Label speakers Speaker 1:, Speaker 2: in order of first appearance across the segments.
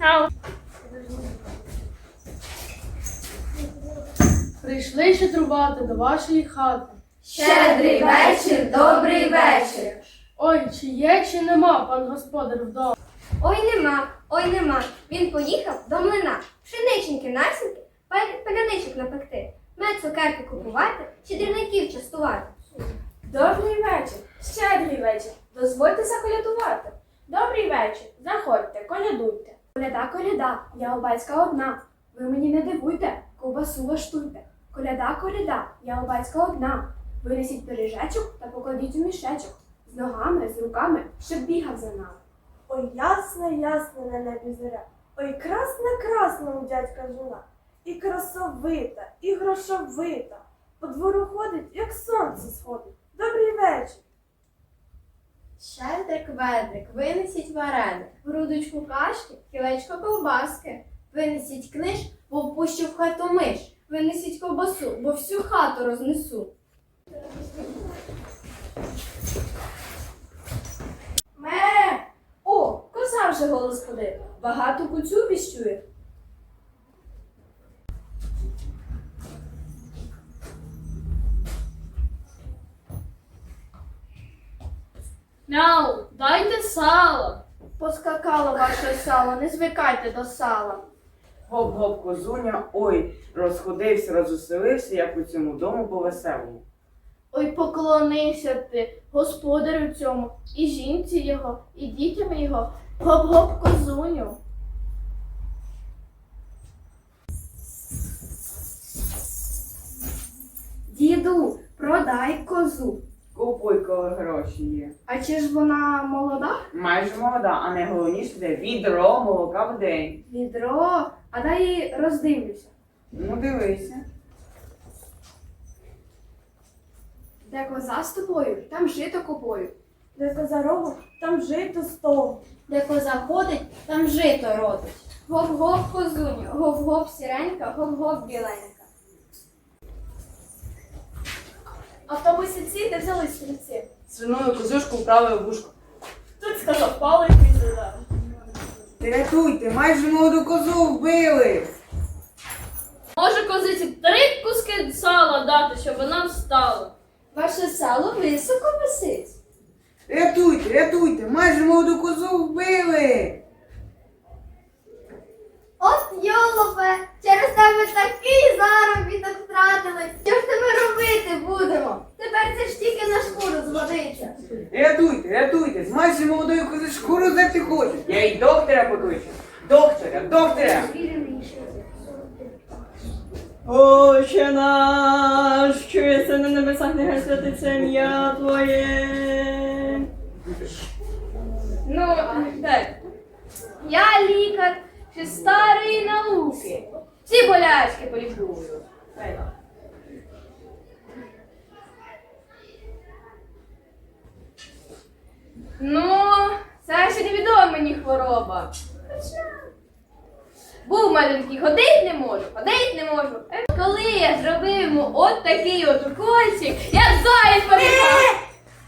Speaker 1: Прийшли щедрувати до вашої хати.
Speaker 2: Щедрий вечір, добрий вечір.
Speaker 1: Ой, чи є, чи нема пан господар вдома?
Speaker 2: Ой нема. Він поїхав до млина. Пшениченьки насінки, паляничок напекти, мед цукерки купувати, щедрівників частувати.
Speaker 3: Добрий вечір, щедрий вечір, дозвольте заколядувати. Добрий вечір, заходьте, колядуйте. Коляда, коляда, я у батька одна. Ви мені не дивуйте, ковбасу влаштуйте. Коляда, коляда, я у батька одна. Винесіть пиріжечок та покладіть у мішечок. З ногами, з руками, щоб бігав за нами.
Speaker 4: Ой, ясна, ясна на небі зоря. Ой, красна, красна у дядька жона. І красовита, і грошовита. По двору ходить, як сонце сходить. Добрий вечір.
Speaker 2: Щедрик, ведрик, винесіть вареник, грудочку кашки, кілечко ковбаски. Винесіть книж, бо впущу в хату миш. Винесіть ковбасу, бо всю хату рознесу.
Speaker 3: Ме! О, коза вже голос подає. Багато куцю віщує.
Speaker 1: Мяу, дайте сало.
Speaker 3: Поскакало ваше сало, не звикайте до сала.
Speaker 5: Гоп-гоп, козуня, ой, розходився, розуселився, як у цьому дому по-веселому.
Speaker 3: Ой, поклонився ти господарю цьому, і жінці його, і дітям його. Гоп-гоп, козуню. Діду, продай козу.
Speaker 5: Купуй, коли гроші є.
Speaker 3: А чи ж вона молода?
Speaker 5: Майже молода, а найголовніше де відро молока в день.
Speaker 3: Відро, а дай її роздивлюся.
Speaker 5: Ну дивися.
Speaker 3: Де коза з тобою, там жито купою.
Speaker 4: Де коза рогу, там жито стогу.
Speaker 2: Де коза ходить, там жито родить. Гоп-гоп, козуню, гоп-гоп, сіренька, гоп-гоп, біленька.
Speaker 3: А в тому сільці де взяли стрільці?
Speaker 5: Свиною козушку вправив в вушко.
Speaker 3: Тут сказав палий пізда.
Speaker 5: Рятуйте, майже молоду козу вбили.
Speaker 1: Може козиці 3 куски сала дати, щоб вона встала?
Speaker 2: Ваше сало високо висить.
Speaker 5: Рятуйте, рятуйте, майже молоду козу вбили.
Speaker 2: От йолопе, через тебе такий заробіток втратили. Що ж тебе робити будемо? Тепер це ж тільки на шкуру згодиться.
Speaker 5: Рятуйте, рятуйте, з майже молодої кози шкуру здерти хочуть. Я й доктора покличу. Доктора, доктора.
Speaker 6: Отче наш, що єси на небесах, нехай святиться ім'я Твоє.
Speaker 3: Ну, так. Я лікар ще старої науки. Всі болячки полікую. Ну, це ще невідома мені хвороба. Був маленький, ходить не можу. Коли я зробив йому от такий от укольчик, як заєць побігав.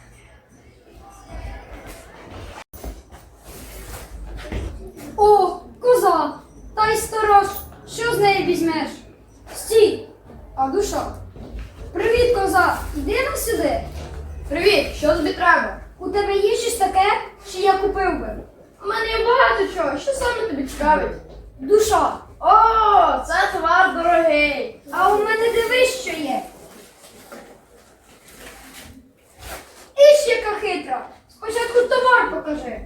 Speaker 2: О, коза! Та й сторож, що з неї візьмеш? Стій! А душа? Привіт, коза! Іди на сюди!
Speaker 3: Привіт, що тобі треба?
Speaker 2: У тебе є щось таке, що я купив би?
Speaker 3: У мене є багато чого, що саме тобі цікавить?
Speaker 2: Душа!
Speaker 3: О, це товар дорогий.
Speaker 2: А у мене дивись, що є. Іж яка хитра! Спочатку товар покажи.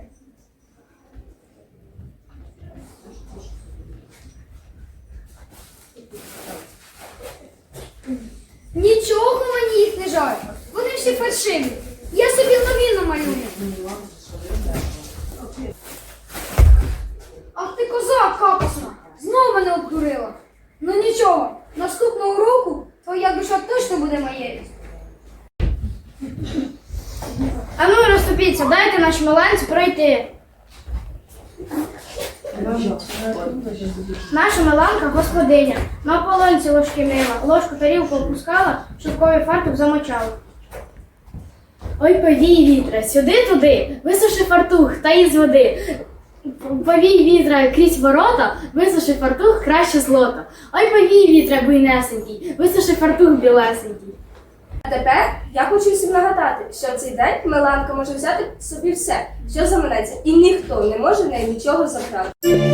Speaker 2: Нічого мені їх не жаль. Вони всі фальшиві. Я собі нові намалюю. Ах ти коза капусна! Знову мене обдурила. Ну нічого, наступного року твоя душа точно буде моєю.
Speaker 3: А ну розступіться, дайте нашій маланці пройти. Наша Миланка господиня. На полонці ложки мила, ложку тарілку опускала, шовковий фартук замочала. Ой, повій вітре, сюди-туди, висуши фартух та із води.
Speaker 7: Повій вітра крізь ворота, висуши фартух краще злота. Ой, повій вітра буйнесенький, висуши фартух білесенький.
Speaker 3: А тепер я хочу всім нагадати, що в цей день Миланка може взяти собі все, що заманеться, і ніхто не може в неї нічого забрати.